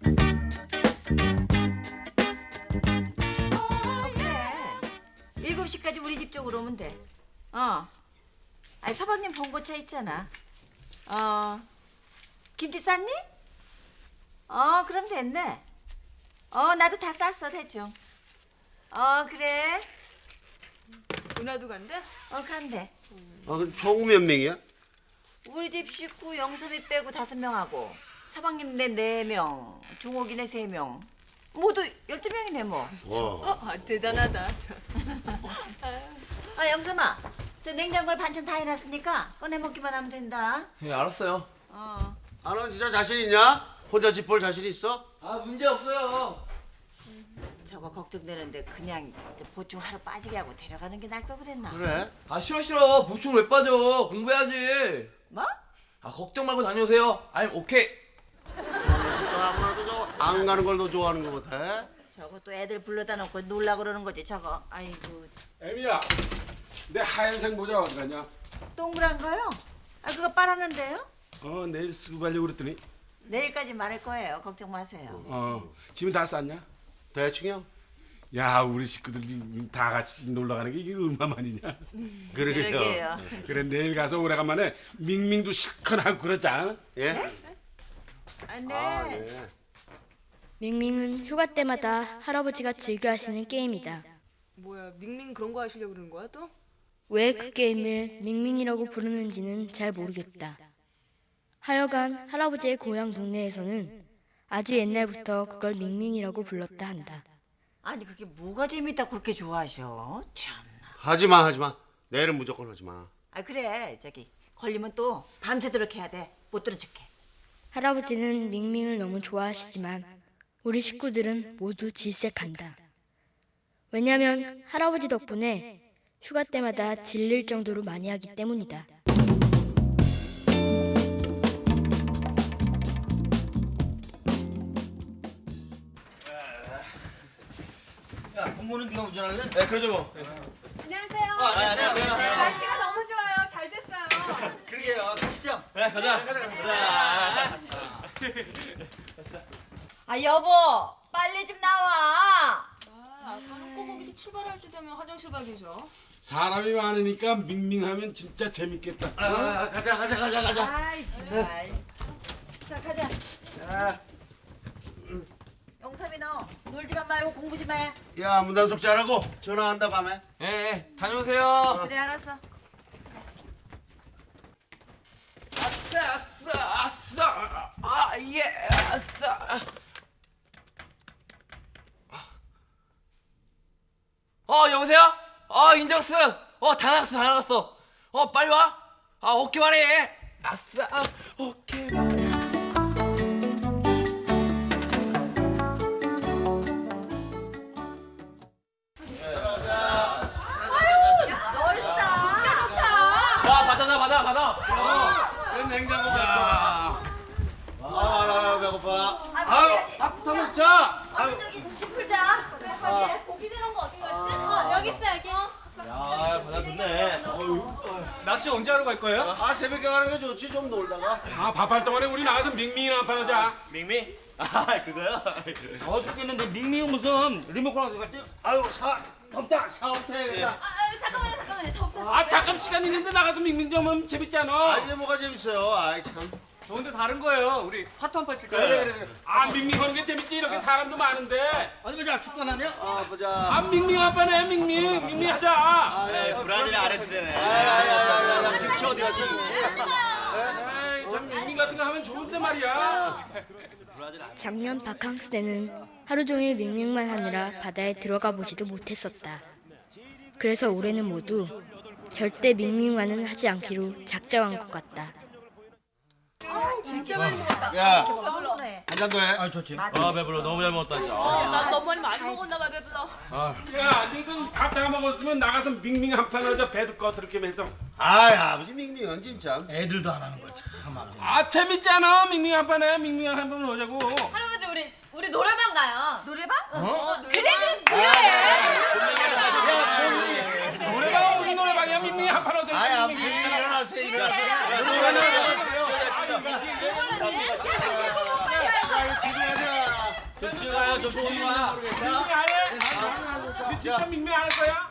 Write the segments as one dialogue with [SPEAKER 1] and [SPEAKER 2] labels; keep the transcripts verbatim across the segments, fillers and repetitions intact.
[SPEAKER 1] 어, 그래. 일곱 시까지 우리 집 쪽으로 오면 돼. 어. 아니, 서방님 봉고차 있잖아. 어. 김치 쌌니? 어, 그럼 됐네. 어, 나도 다 쌌어, 대충. 어, 그래.
[SPEAKER 2] 누나도 간대?
[SPEAKER 1] 어, 간대.
[SPEAKER 3] 아, 그럼 총 몇 명이야?
[SPEAKER 1] 우리 집 식구 영삼이 빼고 다섯 명하고 서방님네 네 명, 종옥이네 세 명. 모두 열두 명이네 뭐.
[SPEAKER 3] 와.
[SPEAKER 2] 어, 아, 대단하다.
[SPEAKER 1] 아, 영삼아. 저 냉장고에 반찬 다 해놨으니까 꺼내 먹기만 하면 된다.
[SPEAKER 4] 예, 알았어요.
[SPEAKER 1] 어.
[SPEAKER 3] 아, 너 진짜 자신 있냐? 혼자 집 볼 자신 있어?
[SPEAKER 4] 아, 문제 없어요.
[SPEAKER 1] 저거 걱정되는데 그냥 저 보충 하루 빠지게 하고 데려가는 게 나을 거 그랬나?
[SPEAKER 3] 그래?
[SPEAKER 4] 아, 싫어 싫어. 보충 왜 빠져? 공부해야지.
[SPEAKER 1] 뭐?
[SPEAKER 4] 아, 걱정 말고 다녀오세요. I'm 오케이.
[SPEAKER 3] 저 아무래도 저 안 가는 걸 더 좋아하는 것 같아.
[SPEAKER 1] 저거 또 애들 불러다 놓고 놀라 그러는 거지 저거. 아이고.
[SPEAKER 5] 애미야, 내 하얀색 모자 어디 갔냐?
[SPEAKER 1] 동그란 거요? 아, 그거 빨았는데요?
[SPEAKER 5] 어, 내일 쓰고 가려고 그랬더니
[SPEAKER 1] 내일까지 말할 거예요. 걱정 마세요.
[SPEAKER 5] 어, 짐은 다 쌌냐?
[SPEAKER 3] 대충이요.
[SPEAKER 5] 야, 우리 식구들이 다 같이 놀러 가는 게 이게 얼마만이냐?
[SPEAKER 1] 그러게요.
[SPEAKER 5] 그래, 내일 가서 오래간만에 밍밍도 시큰하고 그러자.
[SPEAKER 3] 예?
[SPEAKER 1] 아, 네.
[SPEAKER 3] 아, 네.
[SPEAKER 6] 밍밍은 휴가 때마다 할아버지가 즐겨 하시는 게임이다.
[SPEAKER 2] 뭐야, 밍밍 그런 거 하시려고 그러는 거야 또?
[SPEAKER 6] 왜 그 게임을 밍밍이라고 부르는지는 잘 모르겠다. 하여간 할아버지의 고향 동네에서는 아주 옛날부터 그걸 밍밍이라고 불렀다 한다.
[SPEAKER 1] 아니 그게 뭐가 재밌다 그렇게 좋아하셔? 참나.
[SPEAKER 3] 하지 마, 하지 마. 내일은 무조건 하지 마.
[SPEAKER 1] 아 그래 저기 걸리면 또 밤새도록 해야 돼. 못 들은 척해.
[SPEAKER 6] 할아버지는 밍밍을 너무 좋아하시지만 우리 식구들은 모두 질색한다. 왜냐면 할아버지 덕분에 휴가 때마다 질릴 정도로 많이 하기 때문이다.
[SPEAKER 4] 야, 공부는 네가 운전할래? 네, 그러죠 뭐.
[SPEAKER 7] 안녕하세요.
[SPEAKER 4] 아, 네, 안녕하세요.
[SPEAKER 7] 네, 날씨가 너무 좋아요. 잘 됐어요.
[SPEAKER 4] 그러게요. 가시죠. 네, 가자. 가자, 가자.
[SPEAKER 1] 아 여보 빨리 좀 나와.
[SPEAKER 2] 아, 아까는 꼭 거기서 출발할 때 되면 화장실 가 계셔.
[SPEAKER 5] 사람이 많으니까 밍밍하면 진짜 재밌겠다.
[SPEAKER 3] 아, 가자, 가자, 가자, 가자.
[SPEAKER 1] 아이 정말. 자 가자.
[SPEAKER 3] 야,
[SPEAKER 1] 영삼이 너 놀지만 말고 공부 좀 해.
[SPEAKER 3] 야, 문단속 잘하고 전화한다 밤에.
[SPEAKER 4] 예, 예, 다녀오세요.
[SPEAKER 1] 그래 알았어.
[SPEAKER 4] 아싸, 아싸, 아싸. 아, 예, 아싸. 어, 여보세요? 어, 인정스. 어, 다 나갔어, 다 나갔어. 어, 빨리 와. 아, 오케이 말해. 아싸, 오케이 말해. 와, 받아나, 받아, 받아.
[SPEAKER 3] 그 냉장고 갖고. 아, 아, 배고파. 아유, 밥부터 먹자.
[SPEAKER 1] 아유 저기 집 풀자.
[SPEAKER 7] 고기 들은 거 어디 갔지? 어, 여기 있어, 여기.
[SPEAKER 4] 야, 받아줬네.
[SPEAKER 5] 낚시 언제 하러 갈 거예요?
[SPEAKER 3] 아, 새벽에 가는 게 좋지. 좀 놀다가.
[SPEAKER 5] 아, 밥할 동안에 우리 나가서 밍밍이나 한판 하자.
[SPEAKER 4] 밍밍? 아, 그거요? 어 죽겠는데 밍밍은 무슨 리모컨 어디 갔지?
[SPEAKER 3] 아유, 사 덥다. 샤워부터 해야겠다.
[SPEAKER 7] 아, 아, 잠깐만요, 잠깐만요. 저부터.
[SPEAKER 5] 아, 잠깐 시간 있는데 나가서 밍밍 좀 하면 재밌지 않아?
[SPEAKER 3] 아, 이게 뭐가 재밌어요. 아이 참.
[SPEAKER 5] 저 근데 다른 거예요. 우리 화투 한판 칠까요?
[SPEAKER 3] 그래, 그래, 그래.
[SPEAKER 5] 아, 밍밍 하는 게 재밌지. 이렇게 사람도 많은데.
[SPEAKER 4] 어디 보자, 축구 안 하냐?
[SPEAKER 3] 아, 보자.
[SPEAKER 5] 아, 밍밍 한판 해. 밍밍. 밍밍 하자.
[SPEAKER 3] 아, 예.
[SPEAKER 4] 브라질 아레스대네.
[SPEAKER 3] 아야야야야, 김치 어디 갔어? 김치.
[SPEAKER 5] 에이, 참 밍밍 같은 거 하면 좋은데 말이야.
[SPEAKER 6] 작년 바캉스 때는 하루 종일 밍밍만 하느라 바다에 들어가 보지도 못했었다. 그래서 올해는 모두 절대 밍밍만은 하지 않기로 작정한 것 같다.
[SPEAKER 2] 진짜 많이 먹었다.
[SPEAKER 3] 야,
[SPEAKER 1] 배불러네.
[SPEAKER 3] 한 잔 더 해.
[SPEAKER 4] 아, 좋지. 아, 배불러. 너무 잘 먹었다, 진짜.
[SPEAKER 2] 난 너무 많이 많이 먹었나 봐, 배불러.
[SPEAKER 5] 야, 너희들 밥다 먹었으면 나가서 밍밍 한판 하자. 배도 꺼들게 해서.
[SPEAKER 3] 아이, 아버지 밍밍은 진짜.
[SPEAKER 4] 애들도 안 하는 거 참. 아버지.
[SPEAKER 5] 아, 재밌잖아. 밍밍 한판 해. 밍밍 한판 하자고.
[SPEAKER 7] 할아버지, 우리, 우리 노래방 가요.
[SPEAKER 1] 노래방?
[SPEAKER 2] 어,
[SPEAKER 1] 그래 그래 노래.
[SPEAKER 5] 노래방 우리 노래방이야. 밍밍 한판 하자.
[SPEAKER 3] 아이, 아버지
[SPEAKER 5] 밍밍 재밌잖아.
[SPEAKER 3] 일어나세요. 일어나세요. 일어나세요.
[SPEAKER 7] 이걸로는?
[SPEAKER 3] 야, 이거 지금 하자.
[SPEAKER 5] 밍밍 안 해? 니 진짜 밍밍 안 할 거야?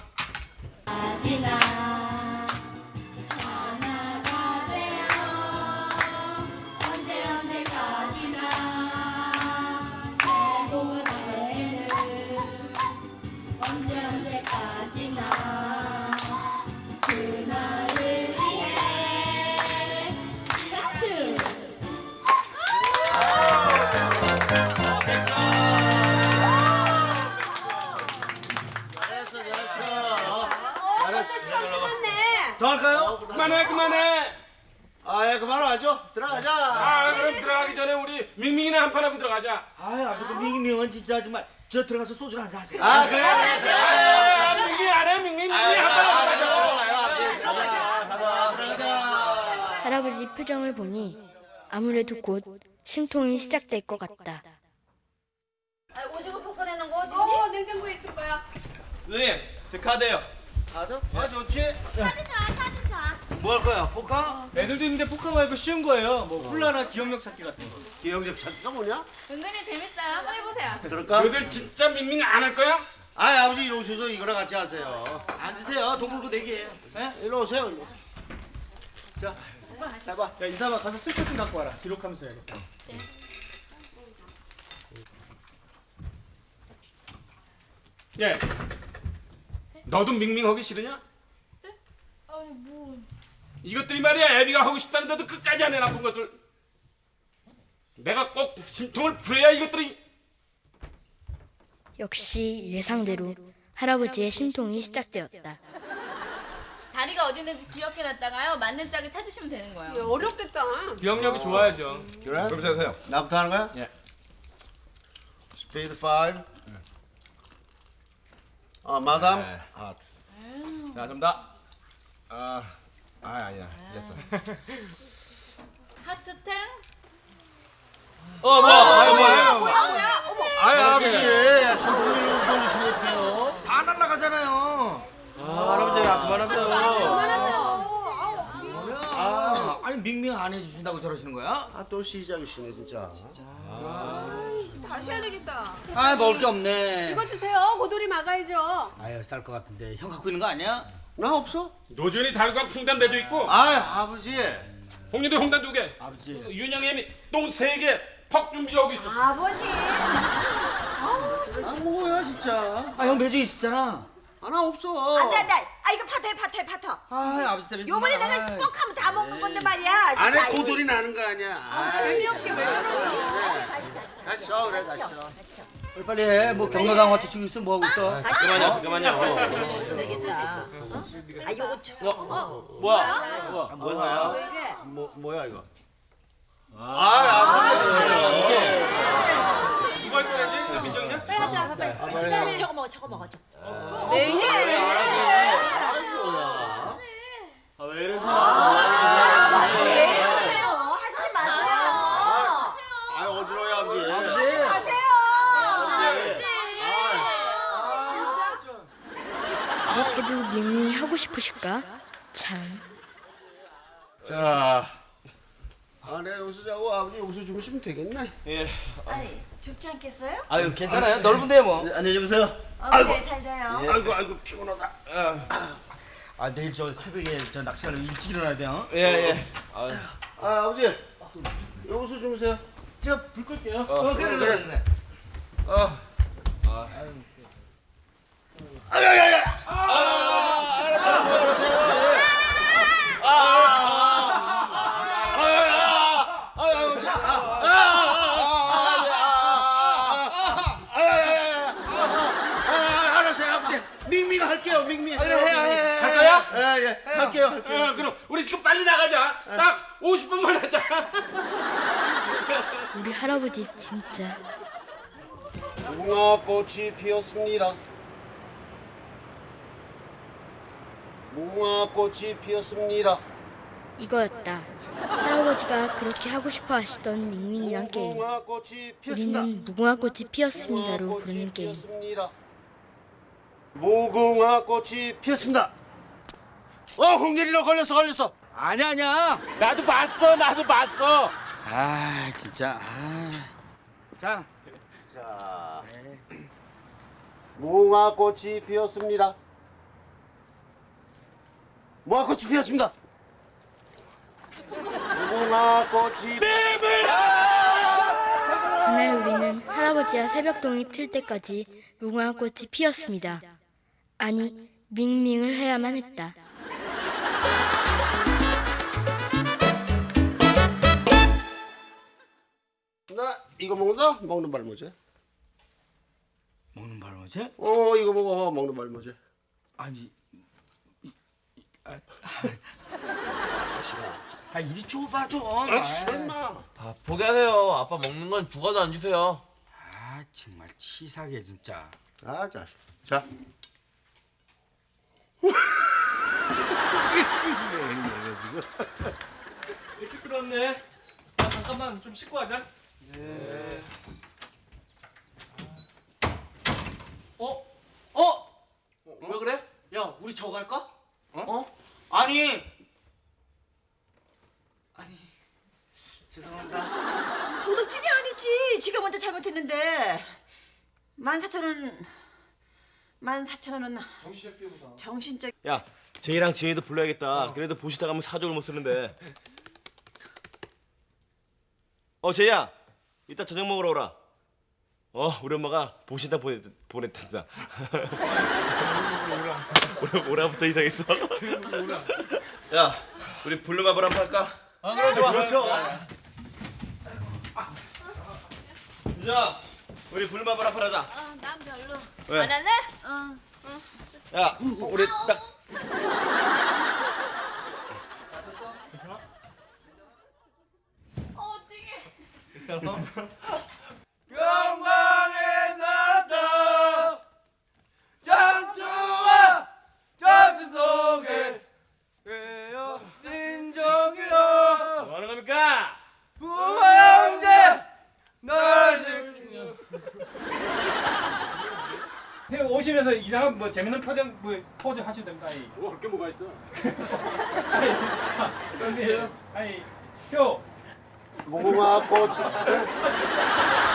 [SPEAKER 3] 잘했어 잘했어. 잘했어.
[SPEAKER 8] 더 할까요?
[SPEAKER 5] 그만해 그만해.
[SPEAKER 3] 아예 그만하죠. 들어가자.
[SPEAKER 5] 아 그럼 들어가기 전에 우리 밍밍이나 한 판 하고 들어가자.
[SPEAKER 8] 아유 아주 그 밍밍은 진짜 정말 저 들어가서 소주를 한잔 하세요.
[SPEAKER 3] 아 그래 그래 그래.
[SPEAKER 5] 아, 밍밍 안 해? 밍밍 밍밍 한 판 하고 가자.
[SPEAKER 3] 들어가요. 앞에 들어가자. 가자 들어가자.
[SPEAKER 6] 할아버지 표정을 보니 아무래도 곧 심통이 시작될 것 같다.
[SPEAKER 1] 아, 오징어 볶아내는 거 어딨니?
[SPEAKER 7] 어 냉장고에 있을 거야.
[SPEAKER 9] 누님, 제 카드요.
[SPEAKER 3] 가자. 아 좋지.
[SPEAKER 8] 뭐 할 거야? 포카?
[SPEAKER 5] 애들도 있는데 포카 말고 쉬운 거예요. 뭐 훌라나 기억력 찾기 같은 거.
[SPEAKER 3] 기억력 찾기가 뭐냐?
[SPEAKER 7] 은근히 재밌어요. 한번 해보세요.
[SPEAKER 3] 그럴까?
[SPEAKER 5] 너희들 진짜 밍밍 안 할 거야?
[SPEAKER 3] 아 아버지 이리 오셔서 이거랑 같이 하세요.
[SPEAKER 8] 앉으세요. 돈 벌고 내기예요. 네?
[SPEAKER 3] 일로 오세요. 일로. 자, 해봐.
[SPEAKER 5] 야 인사봐 가서 쓸것 좀 갖고 와라. 기록하면서 해야겠다. 예. 너도 밍밍하기 싫으냐?
[SPEAKER 7] 네? 아니 뭐.
[SPEAKER 5] 이것들이 말이야 애비가 하고 싶다는데도 끝까지 안 해 나쁜 것들. 내가 꼭 심통을 풀어야 이것들이.
[SPEAKER 6] 역시 예상대로 할아버지의 심통이 시작되었다.
[SPEAKER 7] 자리가 어디 있는지 기억해놨다가요. 맞는 짝을 찾으시면 되는 거예요. 어렵겠다.
[SPEAKER 5] 기억력이 좋아야죠.
[SPEAKER 3] 그래?
[SPEAKER 9] 그럼 세세요.
[SPEAKER 3] 나부터 하는 거야?
[SPEAKER 9] 예.
[SPEAKER 3] 스페이드 파이브. 아 마담.
[SPEAKER 9] 네.
[SPEAKER 3] 아
[SPEAKER 9] 자, 좀 더. 아, 아 아니야. 됐어.
[SPEAKER 7] 하트 텐.
[SPEAKER 9] 어, 뭐? 아유, 뭐? 아유, 뭐?
[SPEAKER 7] 뭐야 뭐야. 어머.
[SPEAKER 3] 아이 아버지 손톱을 돌리시면 어떡해요?
[SPEAKER 8] 다 날라가잖아요. 아, 할아버지 아, 그만하세요.
[SPEAKER 7] 그만하세요.
[SPEAKER 8] 아, 아니 밍밍 안 해주신다고 저러시는 거야?
[SPEAKER 3] 아 또 시작이시네 진짜.
[SPEAKER 2] 다시 해야 되겠다.
[SPEAKER 8] 아, 먹을 게 없네.
[SPEAKER 2] 이거 드세요. 고돌이 막아야죠.
[SPEAKER 8] 아유, 쌀 것 같은데 형 갖고 있는 거 아니야?
[SPEAKER 3] 나 없어?
[SPEAKER 5] 노준이 달과 풍단 매도 있고
[SPEAKER 3] 아이 아버지.
[SPEAKER 5] 홍리도 홍단 두 개.
[SPEAKER 8] 아버지.
[SPEAKER 5] 윤영이 똥세 개. 퍽 준비하고 있어.
[SPEAKER 1] 아버님.
[SPEAKER 3] 아 뭐야 진짜.
[SPEAKER 8] 아, 형 매주 있었잖아.
[SPEAKER 3] 아 나 없어.
[SPEAKER 1] 안돼 안돼. 아 이거 파토해 파토해 파토.
[SPEAKER 8] 아, 아버지 때문에.
[SPEAKER 1] 요번에 내가 뻑하면 다 먹는 건데 말이야. 진짜.
[SPEAKER 3] 안에
[SPEAKER 1] 아이고.
[SPEAKER 3] 고돌이 나는 거 아니야. 아,
[SPEAKER 1] 재미없게 왜 그래?
[SPEAKER 3] 그래.
[SPEAKER 1] 다시 다시 다시.
[SPEAKER 3] 다시 쳐 그래 다시 쳐.
[SPEAKER 1] 다시 쳐.
[SPEAKER 8] 빨리 빨리 해. 뭐 경로당한테 치고 있어. 뭐 하고 있어?
[SPEAKER 3] 그만요 그만요.
[SPEAKER 1] 되겠다. 어? 아 요거 쳐.
[SPEAKER 9] 뭐야?
[SPEAKER 3] 아,
[SPEAKER 1] 뭐야? 왜 이래?
[SPEAKER 3] 뭐 뭐야 이거? 아 아버지.
[SPEAKER 5] 누가 차례지? 민정이냐?
[SPEAKER 1] 빨리 가자 빨리.
[SPEAKER 3] 아, 빨리
[SPEAKER 1] 빨리
[SPEAKER 3] 해.
[SPEAKER 1] 저거 먹어 저거 먹어 좀. 왜 이래?
[SPEAKER 3] 아이고야.
[SPEAKER 9] 아왜 이래서?
[SPEAKER 1] 왜 이러세요? 하지 마세요.
[SPEAKER 3] 아 어지러워 아버지.
[SPEAKER 7] 가세요. 아버지.
[SPEAKER 6] 그렇게도 밍밍이 하고 싶으실까? 참.
[SPEAKER 3] 자. 아 내가 여기서 자고 아버지 여기서 주무시면 되겠네.
[SPEAKER 9] 예.
[SPEAKER 1] 아니 좁지 않겠어요?
[SPEAKER 8] 아유, 괜찮아요. 넓은데 뭐.
[SPEAKER 9] 안녕히 주무세요.
[SPEAKER 1] 어, 그래 잘 자요.
[SPEAKER 3] 아이고 아이고 피곤하다.
[SPEAKER 8] 아, 내일 저 새벽에 저 낚시하려면 일찍 일어나야 돼요.
[SPEAKER 9] 예, 예. 아유.
[SPEAKER 3] 아 아버지 여기서 주무세요.
[SPEAKER 5] 제가 불 끌게요.
[SPEAKER 8] 어, 그래, 그래, 그래.
[SPEAKER 3] 어. 밍밍 할게요 밍밍.
[SPEAKER 8] 그래, 해, 해, 해.
[SPEAKER 5] 갈 거야?
[SPEAKER 3] 예예 할게요 할게요.
[SPEAKER 5] 어, 그럼 우리 지금 빨리 나가자. 딱 오십 분만 하자.
[SPEAKER 6] 우리 할아버지 진짜.
[SPEAKER 3] 무궁화꽃이 피었습니다. 무궁화꽃이 피었습니다.
[SPEAKER 6] 이거였다. 할아버지가 그렇게 하고 싶어 하시던 밍밍이란 게임.
[SPEAKER 3] 무궁화꽃이 피었습니다.
[SPEAKER 6] 우리는 무궁화꽃이 피었습니다로 부르는 게임.
[SPEAKER 3] 피었습니다. 무궁화꽃이 피었습니다. 어 홍길이로 걸렸어 걸렸어.
[SPEAKER 8] 아니야, 아니야.
[SPEAKER 5] 나도 봤어. 나도 봤어.
[SPEAKER 8] 아, 진짜. 아. 자,
[SPEAKER 3] 자, 무궁화꽃이 피었습니다. 무궁화꽃이 피었습니다. 무궁화꽃이
[SPEAKER 6] 그날 우리는 할아버지와 새벽동이 틀 때까지 무궁화꽃이 피었습니다. 아니, 밍밍을 해야만 했다.
[SPEAKER 3] 나 이거 먹는다? 먹는 발모제.
[SPEAKER 8] 먹는 발모제?
[SPEAKER 3] 어, 이거 먹어. 먹는 발모제.
[SPEAKER 8] 아니,
[SPEAKER 3] 싫어.
[SPEAKER 8] 아 이리 줘봐 좀.
[SPEAKER 3] 아, 싫어 임마.
[SPEAKER 4] 아 포기하세요. 아빠 먹는 건 부가도 안 주세요.
[SPEAKER 8] 아 정말 치사하게 진짜.
[SPEAKER 3] 아, 자식. 자.
[SPEAKER 5] 일찍 들었네. 아, 잠깐만 좀 씻고 하자. 네.
[SPEAKER 4] 어? 어? 왜 그래?
[SPEAKER 8] 야 우리 저거 할까?
[SPEAKER 4] 어?
[SPEAKER 8] 아니. 아니. 죄송합니다.
[SPEAKER 1] 도둑질이 아니지. 지가 먼저 잘못했는데. 만 사천 원. 만 사천 원은 정신적.
[SPEAKER 9] 야, 제이랑 지혜도 불러야겠다. 그래도 보시다 가면 사족을 못 쓰는데. 어, 제이야. 이따 저녁 먹으러 오라. 어, 우리 엄마가 보시다 보냈, 보냈단다. 오라, 오라부터 이상했어. 야, 우리 블루마블 한번 할까?
[SPEAKER 4] 아 그래 좋아.
[SPEAKER 9] 그렇죠. 자, 우리 블루마블 한번 하자.
[SPEAKER 7] 어, 난 별로.
[SPEAKER 9] 왜?
[SPEAKER 1] 안 할래?
[SPEAKER 7] 어.
[SPEAKER 9] 야, 우리 딱.
[SPEAKER 7] 어, 어떡해.
[SPEAKER 4] 영광에 살았다 전투와 전투 속에 외어진 정이여
[SPEAKER 9] 뭐 하는 겁니까?
[SPEAKER 4] 부하 형제 널 지키며
[SPEAKER 5] 선생님 오시면서 이상한 뭐 재밌는 표정 뭐 포즈 하셔도 됩니다. 아이.
[SPEAKER 3] 뭐 그렇게 뭐가 있어?
[SPEAKER 5] 선생님, 아이 표.
[SPEAKER 3] 무궁화꽃이